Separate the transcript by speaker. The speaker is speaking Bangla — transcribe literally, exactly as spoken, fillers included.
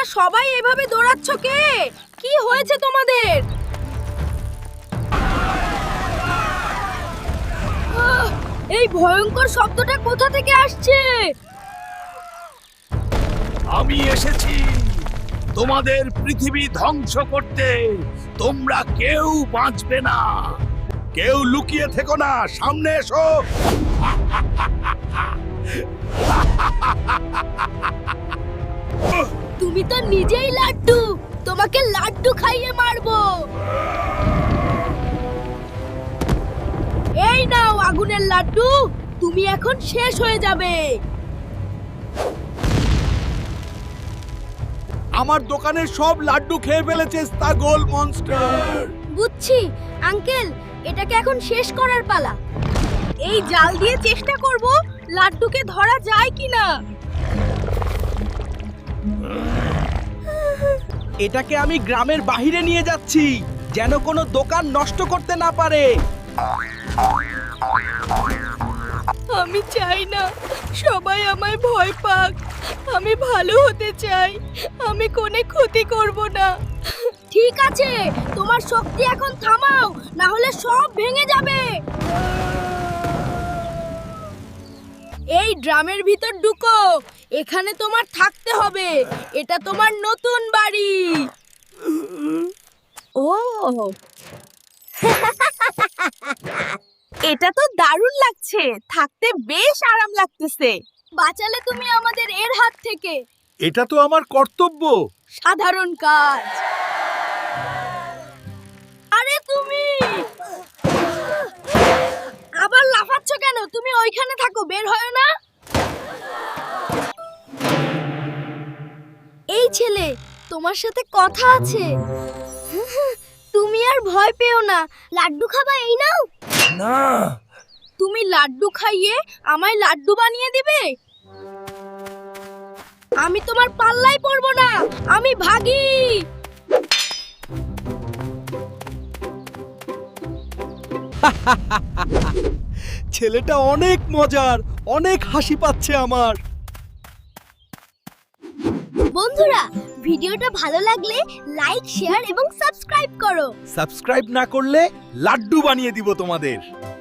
Speaker 1: তোমরা সবাই এভাবে দৌড়াচ্ছ কে? কি হয়েছে তোমাদের? আহ, এই ভয়ঙ্কর শব্দটা কোথা থেকে আসছে?
Speaker 2: আমি এসেছি তোমাদের পৃথিবী ধ্বংস করতে। তোমরা কেউ বাঁচবে না। কেউ লুকিয়ে থেকো না, সামনে এসো।
Speaker 1: তুমি তো নিজেই লাড্ডু, তোমাকে লাড্ডু খাইয়ে মারবো। এই নাও আগুনের লাড্ডু, তুমি এখন শেষ হয়ে যাবে।
Speaker 2: আমার দোকানের সব লাড্ডু খেয়ে ফেলেছে ছাগল মনস্টার।
Speaker 1: বুঝছি আঙ্কেল, এটাকে এখন শেষ করার পালা। এই জাল দিয়ে চেষ্টা করব লাড্ডুকে ধরা যায় কিনা।
Speaker 3: এটাকে আমি গ্রামের বাইরে নিয়ে যাচ্ছি, যেন কোনো দোকান নষ্ট করতে না পারে।
Speaker 1: আমি চাই না সবাই আমায় ভয় পাক। আমি ভালো হতে চাই, আমি কোনো ক্ষতি করব না। ঠিক আছে, তোমার শক্তি এখন থামাও, না হলে সব ভেঙে যাবে। এই ড্রামের ভিতর ঢুকো, এখানে তোমার থাকতে হবে। এটা তোমার নতুন বাড়ি। ও এটা তো দারুণ লাগছে, থাকতে বেশ আরাম লাগতেছে। বাঁচালে তুমি আমাদের এর হাত থেকে।
Speaker 2: এটা তো আমার কর্তব্য।
Speaker 1: সাধারণ কাজ। আরে তুমি আবার লাফাচ্ছ কেন? তুমি ওইখানে থাকো, বের হয় না। এই ছেলে, তোমার সাথে কথা আছে। তুমি আর ভয় পেও না। লাড্ডু খাবা? এই নাও।
Speaker 2: না,
Speaker 1: তুমি লাড্ডু খাইয়ে আমায় লাড্ডু বানিয়ে দিবে? আমি তোমার পাল্লায় পড়ব না, আমি ভাগি।
Speaker 3: ছেলেটা অনেক মজার, অনেক হাসি পাচ্ছে আমার।
Speaker 1: বন্ধুরা, ভিডিওটা ভালো লাগলে লাইক, শেয়ার এবং সাবস্ক্রাইব করো।
Speaker 2: সাবস্ক্রাইব না করলে লাড্ডু বানিয়ে দিব তোমাদের।